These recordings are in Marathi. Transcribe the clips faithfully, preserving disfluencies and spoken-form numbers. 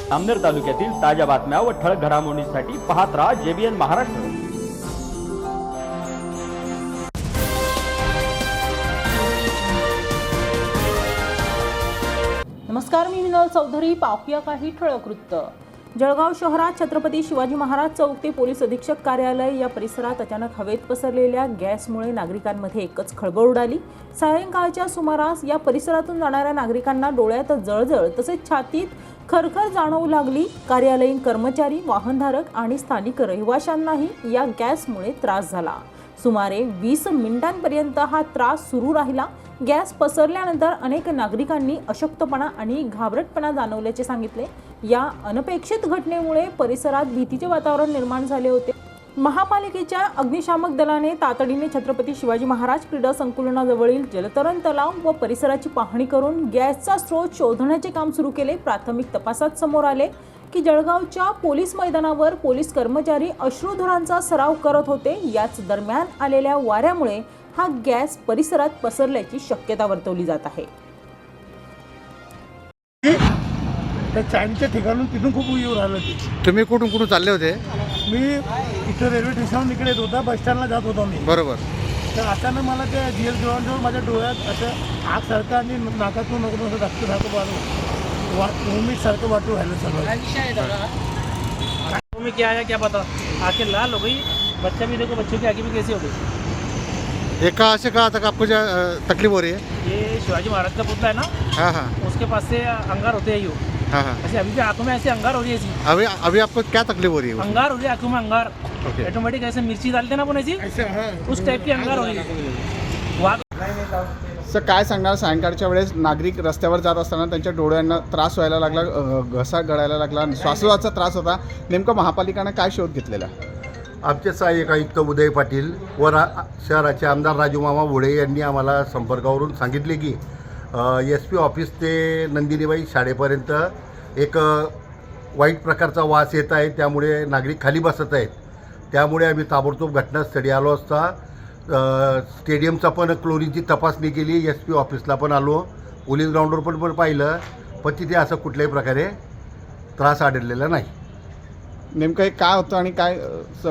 अमनेर तालुक्यातील ताज्या बातम्या व ठळक घडामोडींसाठी पाहत राहा जेबीएन महाराष्ट्र। नमस्कार, मी विनोद चौधरी। पाहूया काही ठळक वृत्त। जळगाव शहरात छत्रपती शिवाजी महाराज चौक ते पोलीस अधीक्षक कार्यालय या परिसरात अचानक हवेत पसरलेल्या गॅसमुळे नागरिकांमध्ये एकच खळबळ उडाली। सायंकाळच्या सुमारास या परिसरातून जाणाऱ्या नागरिकांना डोळ्यात जळजळ तसेच छातीत खरखर जाणवू लागली। कार्यालयीन कर्मचारी, वाहनधारक आणि स्थानिक रहिवाशांनाही या गॅसमुळे त्रास झाला। सुमारे वीस मिनिटांपर्यंत हा त्रास सुरू राहिला। गॅस पसरल्यानंतर अनेक नागरिकांनी अशक्तपणा आणि घाबरटपणा जाणवल्याचे सांगितले। या अनपेक्षित घटनेमुळे परिसरात भीतीचे वातावरण निर्माण झाले होते। महापालिकेच्या अग्निशामक दलाने तातडीने छत्रपती शिवाजी महाराज क्रीडा संकुलनाजवळील जलतरण तलाव व परिसराची पाहणी करून गॅसचा स्रोत शोधण्याचे काम सुरू केले। प्राथमिक तपासात समोर आले की जळगावच्या पोलीस मैदानावर पोलीस कर्मचारी अश्रुधुरांचा सराव करत होते। याच दरम्यान आलेल्या वाऱ्यामुळे हा गॅस परिसरात पसरल्याची शक्यता वर्तवली जात आहे। त्या चांदच्या ठिकाणून तिथून खूप येऊ राहिलं ते। तुम्ही कुठून कुठून चालले होते? मी इथं रेल्वे स्टेशनवर इकडे येत होता, बस स्टँडला जात होता मी। बरोबर। तर अचानक मला त्या जीएल ग्राउंडवर माझ्या डोळ्यात असं आग सारखं आणि नाकातून नको असं रक्त सारखं वाटू वा वोमिट सारखं वाटू राहिलं सगळं। में क्या आया क्या पता, आंखें लाल हो गई। बच्चा भी देखो, बच्चों की आंखें भी कैसी हो गई। ये कहाँ से कहाँ तक आपको तकलीफ हो रही है? ये शिवाजी महाराज का पुतला है ना, हाँ हाँ उसके पास से अंगार होते हैं यूँ। हाँ हाँ ऐसे अभी भी आंखों में ऐसे अंगार हो रही है ऐसी। अभी अभी आपको क्या तकलीफ हो रही है? अंगार हो रही है आंखों में, अंगार ओके। ऑटोमेटिक ऐसे मिर्ची डालते ना अपन ऐसी, उस टाइप की अंगार हो रही है। वहाँ सर, काय सांगणार? सायंकाळच्या वेळेस नागरिक रस्त्यावर जात असताना त्यांच्या डोळ्यांना त्रास व्हायला लागला, घसा गळायला लागला, श्वासोच्छवासाचा त्रास होता। नेमकं महापालिकेने काय शोध घेतलेला? आमचे सहाय्यक आयुक्त उदय पाटील व रा शहराचे आमदार राजूमामा भोळे यांनी आम्हाला संपर्कावरून सांगितले की एस पी ऑफिस ते नंदिनीबाई शाळेपर्यंत एक वाईट प्रकारचा वास येत आहे, त्यामुळे नागरिक खाली बसत आहेत। त्यामुळे आम्ही ताबडतोब घटनास्थळी आलो असता स्टेडियमचा पण क्लोरीनची तपासणी केली, एस पी ऑफिसला पण आलो, पोलीस ग्राउंडवर पण पण पाहिलं, पण तिथे असं कुठल्याही प्रकारे त्रास आढळलेला नाही। नेमकं हे काय होतं आणि काय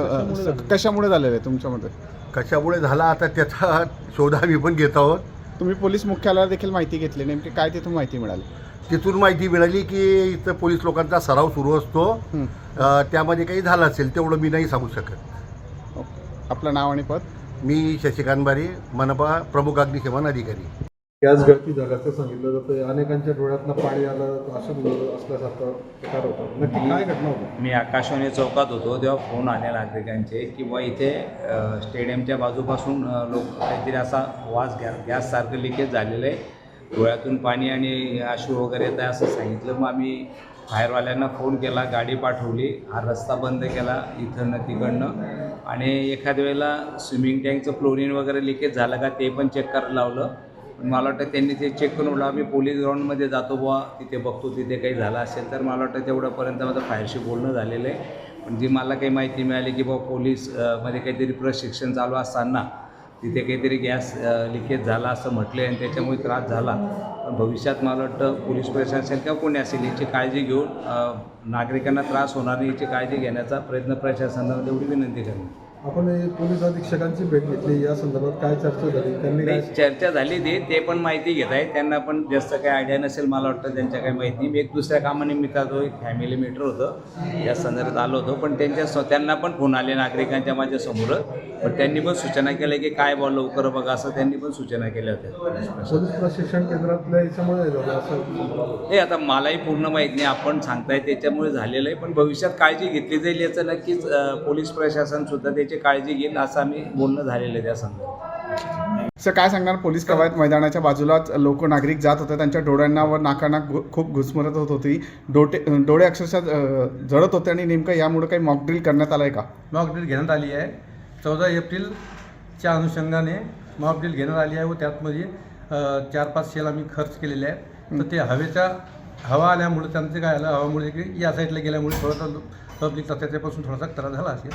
कशामुळे झालेलं आहे तुमच्या मते? कशामुळे झाला आता त्याचा शोध आम्ही पण घेत आहोत। तुम्ही पोलीस मुख्यालयाला देखील माहिती घेतली, नेमकी काय तिथून माहिती मिळाली? तिथून माहिती मिळाली की इथं पोलीस लोकांचा सराव सुरू असतो, त्यामध्ये काही झालं असेल तेवढं मी नाही सांगू शकत। आपलं नाव आणि पद? मी शशिकांत बारी, मनपा प्रमुख अग्निशमन अधिकारी। गॅस गळती झाल्याचं सांगितलं जातं, अनेकांच्या डोळ्यातनं पाणी आलं, असं असल्यासारखं प्रकार होता। नक्की काय घटना होती? मी आकाशवाणी चौकात होतो तेव्हा फोन आले नागरिकांचे की बुवा इथे स्टेडियमच्या बाजूपासून लोक काहीतरी असा वास गॅस गॅससारखं लिकेज झालेलं आहे, डोळ्यातून पाणी आणि अश्रू वगैरे येत आहे असं सांगितलं। मग आम्ही फायरवाल्यांना फोन केला, गाडी पाठवली, हा रस्ता बंद केला इथं तिकडनं, आणि एखाद्या वेळेला स्विमिंग टँकचं क्लोरीन वगैरे लिकेज झालं का ते पण चेक करायला लावलं। पण मला वाटतं त्यांनी ते चेक करून बोला आम्ही पोलीस ग्राउंडमध्ये जातो बुवा, तिथे बघतो तिथे काही झालं असेल तर। मला वाटतं तेवढ्यापर्यंत माझं फायरशी बोलणं झालेलं आहे। पण जी मला काही माहिती मिळाली की बुवा पोलीस मध्ये काहीतरी प्रशिक्षण चालू असताना तिथे काहीतरी गॅस लिकेज झाला असं म्हटले आणि त्याच्यामुळे त्रास झाला। पण भविष्यात मला वाटतं पोलीस प्रशासन किंवा कोणी असेल याची काळजी घेऊन नागरिकांना त्रास होणार नाही याची काळजी घेण्याचा प्रयत्न प्रशासनाला एवढी विनंती करणे। आपण पोलीस अधीक्षकांची भेट घेतली, या संदर्भात काय चर्चा झाली? त्यांनी काय चर्चा झाली ते ते पण माहिती घेत आहेत, त्यांना पण जास्त काही आयडिया नसेल मला वाटतं, त्यांच्या काही माहिती नाही। मी एक दुसऱ्या कामानिमित्तात एक फॅमिली मीटर होतं या संदर्भात आलो होतो, पण त्यांच्या स्व त्यांना पण फोन आले नागरिकांच्या माझ्यासमोर, पण त्यांनी पण सूचना केल्या की काय बॉल लवकर बघा असं त्यांनी पण सूचना केल्या होत्या। पोलीस प्रशिक्षण केंद्रातल्या याच्यामुळे झालं असं हे आता मलाही पूर्ण माहीत नाही, आपण सांगताय त्याच्यामुळे झालेलं आहे, पण भविष्यात काळजी घेतली जाईल याचं नक्कीच पोलीस प्रशासनसुद्धा त्याची काळजी घेईल असं आम्ही बोलणं झालेलं आहे त्या संदर्भात। सर, काय सांगणार? पोलीस कवायत मैदानाच्या बाजूलाच लोक नागरिक जात होते, त्यांच्या डोळ्यांना व नाकांना खूप घुसमरत होत होती, डोटे डोळे अक्षरशः जळत होते, आणि नेमकं यामुळे काही मॉकड्रिल करण्यात आलं आहे का? मॉकड्रिल घेण्यात आली आहे, चौदा एप्रिलच्या अनुषंगाने मॉकड्रिल घेण्यात आली आहे व त्यातमध्ये चार पाच शेल आम्ही खर्च केलेले आहेत। तर ते हवेच्या हवा आल्यामुळे त्यांचं काय आलं, हवामुळे की या साईडला गेल्यामुळे थोडासा पब्लिकचा त्याच्यापासून थोडासा त्रास झाला असेल।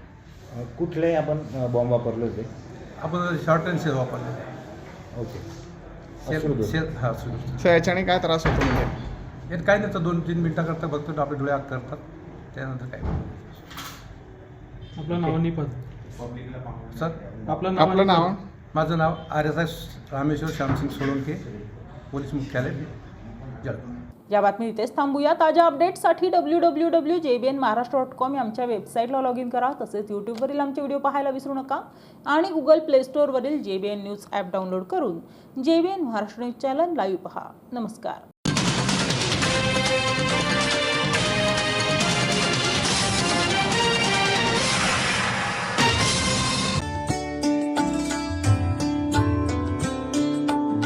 कुठले आपण बॉम्ब वापरले होते? आपण शॉर्ट रेंज शेल वापरले। ओके। शेल शेल हां सुरू सर, याच्याने काय त्रास होतो? म्हणजे हे काही नाही तर दोन तीन मिनटाकरता फक्त आपले डोळे आग करतात, त्यानंतर काय नाही. आपलं नाव आणि पद. सर आपलं नाव आपलं नाव माझं नाव R S S Rameshwar Shyamsing Solanke, police मुख्यालय जळगाव. या बातमी इथेच थांबूया. ताज्या अपडेट्ससाठी W W W J B N Maharashtra dot com या आमच्या वेबसाईटला लॉग इन करा. तसेच यूट्यूबवरील आमचे व्हिडिओ पाहायला विसरू नका आणि गुगल प्ले स्टोअरवरील J B N news app download करून J B N Maharashtra news channel live पहा. नमस्कार.